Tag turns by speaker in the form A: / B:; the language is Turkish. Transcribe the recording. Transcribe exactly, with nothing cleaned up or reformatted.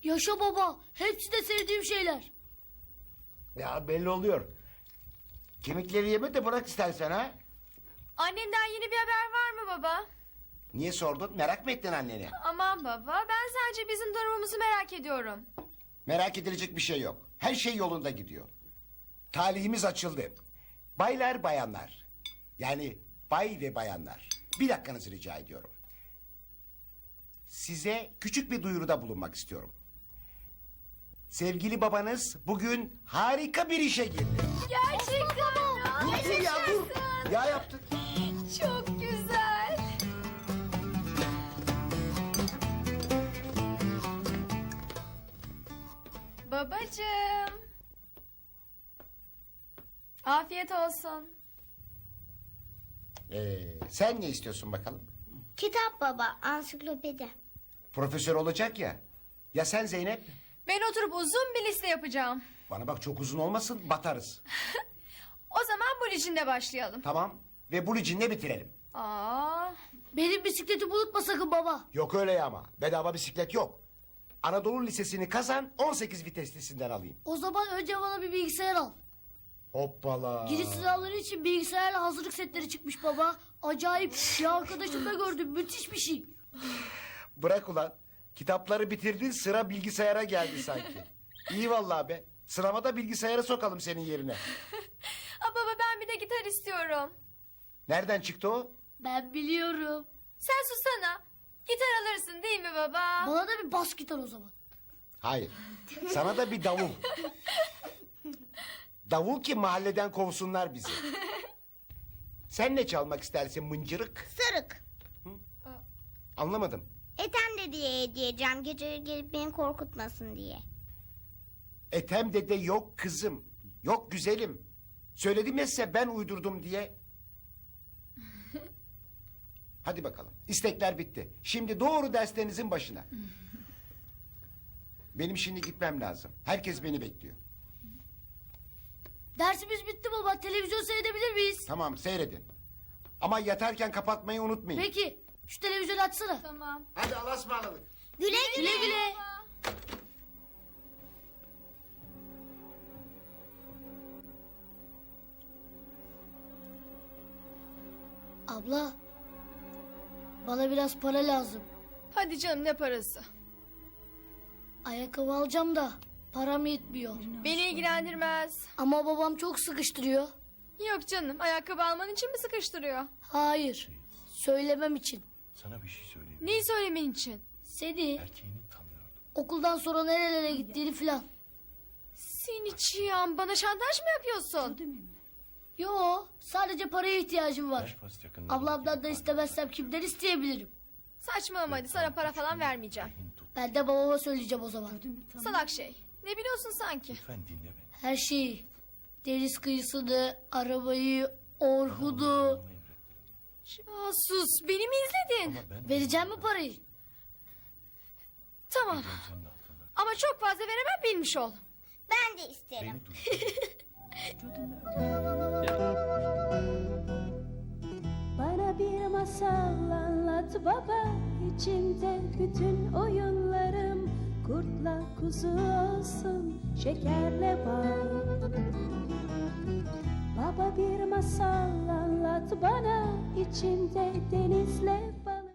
A: Yaşa baba. Hepsi de sevdiğim şeyler.
B: Ya belli oluyor. Kemikleri yeme de bırak istersen ha.
C: Annemden yeni bir haber var mı baba?
B: Niye sordun? Merak mı ettin anneni?
C: Aman baba, ben sadece bizim durumumuzu merak ediyorum.
B: Merak edilecek bir şey yok. Her şey yolunda gidiyor. Talihimiz açıldı. Baylar bayanlar. Yani bay ve bayanlar. Bir dakikanızı rica ediyorum. Size küçük bir duyuruda bulunmak istiyorum. Sevgili babanız bugün harika bir işe girdi.
C: Gerçekten
B: Dur dur ya dur. Ya yaptık.
C: çok güzel. Babacığım. Afiyet olsun.
B: Ee, sen ne istiyorsun bakalım?
D: Kitap baba, ansiklopedi.
B: Profesör olacak ya. Ya sen Zeynep?
C: Ben oturup uzun bir liste yapacağım.
B: Bana bak çok uzun olmasın batarız.
C: O zaman bu licinle başlayalım.
B: Tamam. Ve bu licinle bitirelim.
C: Aa,
A: Benim bisikleti unutma sakın baba.
B: Yok öyle ya ama. Bedava bisiklet yok. Anadolu Lisesi'ni kazan on sekiz viteslisinden alayım.
A: O zaman önce bana bir bilgisayar al.
B: Hoppala.
A: Giriş sınavları için bilgisayarla hazırlık setleri çıkmış baba. Acayip. Bir arkadaşım da gördüm. Müthiş bir şey.
B: Bırak ulan. Kitapları bitirdin sıra bilgisayara geldi sanki. İyi vallahi be. Sınava da bilgisayara sokalım senin yerine.
C: aa baba ben bir de gitar istiyorum.
B: Nereden çıktı o?
A: Ben biliyorum.
C: Sen susana. Gitar alırsın değil mi baba?
A: Bana da bir bas gitar o zaman.
B: Hayır. Sana da bir davul. Davul ki mahalleden kovsunlar bizi. Sen ne çalmak istersin mıncırık?
D: Sarık.
B: Anlamadım.
D: Etem de diye hediyeceğim, gece gelip beni korkutmasın diye.
B: Ethem dede yok kızım. Yok güzelim. Söyledim ya size ben uydurdum diye. Hadi bakalım. İstekler bitti. Şimdi doğru derslerinizin başına. Benim şimdi gitmem lazım. Herkes beni bekliyor.
A: Dersimiz bitti baba. Televizyon seyredebilir miyiz?
B: Tamam seyredin. Ama yatarken kapatmayı unutmayın.
A: Peki. Şu televizyonu açsana.
C: Tamam.
B: Hadi Allah'a ısmarladık.
D: Güle güle.
A: Güle güle. Abla. Bana biraz para lazım.
C: Hadi canım ne parası?
A: Ayakkabı alacağım da param yetmiyor.
C: Beni ilgilendirmez.
A: Ama babam çok sıkıştırıyor.
C: Yok canım ayakkabı alman için mi sıkıştırıyor?
A: Hayır. Söylemem için.
E: Sana bir şey söyleyeyim.
C: Neyi söylemen için?
A: Seni
E: Erkeğini tanıyordum.
A: okuldan sonra nerelere gittiğini filan.
C: Seni çiyan bana şantaj mı yapıyorsun?
A: Yo, sadece paraya ihtiyacım var.
E: Belfast yakınlarında
A: Ablamdan da istemezsem kimden isteyebilirim?
C: Saçmalama hadi sana para falan vermeyeceğim.
A: Ben de babama söyleyeceğim o zaman.
C: Salak şey. Ne biliyorsun sanki?
E: Lütfen dinle beni.
A: Her şeyi. Deniz kıyısını, arabayı, Orhun'u.
E: Bana emrettiler.
C: Casus beni mi izledin?
E: Ama ben
A: Vereceğim mi parayı?
C: Tamam
E: senin altında.
C: ama çok fazla veremem bilmiş ol.
D: Ben de isterim.
E: Beni duy.
F: Bana bir masal anlat baba, içinde bütün oyunlarım kurtla kuzu olsun, şekerle bal. Baba bir masal anlat bana, içinde denizle